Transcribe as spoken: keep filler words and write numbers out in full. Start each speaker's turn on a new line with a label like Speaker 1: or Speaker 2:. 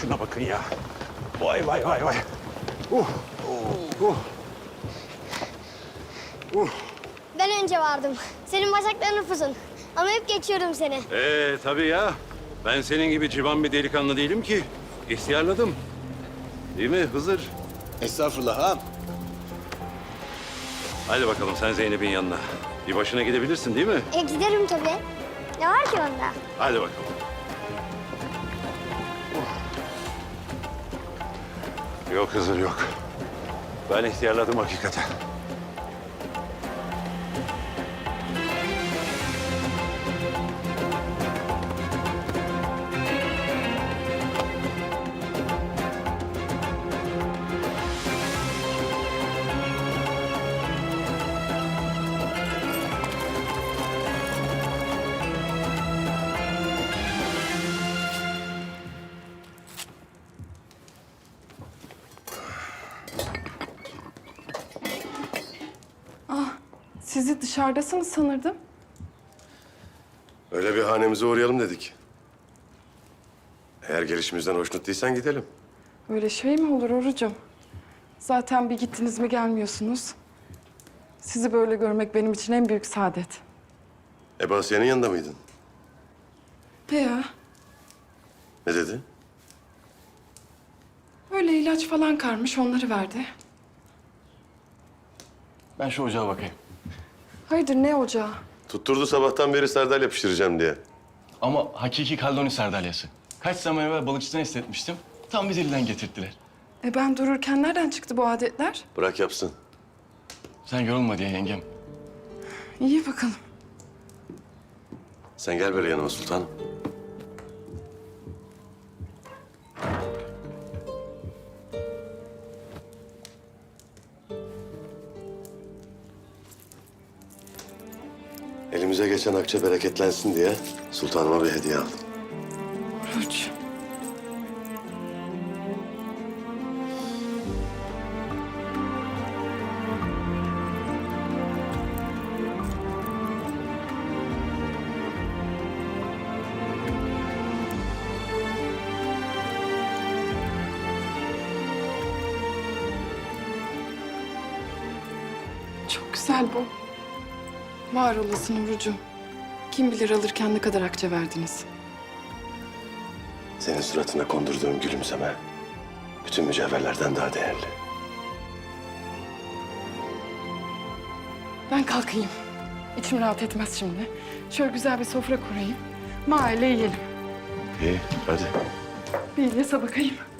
Speaker 1: şuna bakın ya. Vay vay vay vay. Uh, uh, uh. Uh.
Speaker 2: Ben önce vardım. Senin bacakların uzun. Ama hep geçiyordum seni.
Speaker 1: Ee tabii ya. Ben senin gibi civan bir delikanlı değilim ki. İhtiyarladım. Değil mi Hızır?
Speaker 3: Estağfurullah ağam.
Speaker 1: Hadi bakalım sen Zeynep'in yanına. Bir başına gidebilirsin değil mi?
Speaker 2: E giderim tabii. Ne var ki onda?
Speaker 1: Hadi bakalım. Yok Hızır yok. Ben ihtiyarladım hakikaten.
Speaker 4: Sizi dışarıdasınız sanırdım.
Speaker 5: Öyle bir hanemize uğrayalım dedik. Eğer gelişimizden hoşnut değilsen gidelim.
Speaker 4: Öyle şey mi olur Orucum? Zaten bir gittiniz mi gelmiyorsunuz. Sizi böyle görmek benim için en büyük saadet.
Speaker 5: Ebu Asiye'nin yanında mıydın?
Speaker 4: He ya,
Speaker 5: Ne dedi?
Speaker 4: öyle ilaç falan karmış, onları verdi.
Speaker 3: Ben şu ocağa bakayım.
Speaker 4: Hayırdır, ne ocağı?
Speaker 5: Tutturdu sabahtan beri sardalya pişireceğim diye.
Speaker 3: Ama hakiki Kaldoni sardalyası. Kaç zaman evvel balıkçıdan istetmiştim. Tam bir dilden getirttiler.
Speaker 4: E ben dururken nereden çıktı bu adetler?
Speaker 5: Bırak yapsın.
Speaker 3: Sen yorulma diye yengem.
Speaker 4: İyi bakalım.
Speaker 5: Sen gel böyle yanıma sultanım. Elimize geçen akçe bereketlensin diye sultanıma bir hediye aldım.
Speaker 4: Oruç. Çok güzel bu. Var olasın Orucum. Kim bilir alırken ne kadar akçe verdiniz.
Speaker 5: Senin suratına kondurduğum gülümseme bütün mücevherlerden daha değerli.
Speaker 4: Ben kalkayım. İçim rahat etmez şimdi. Şöyle güzel bir sofra kurayım. Mahalle yiyelim.
Speaker 5: İyi, hadi.
Speaker 4: Bir İlyas'a bakayım.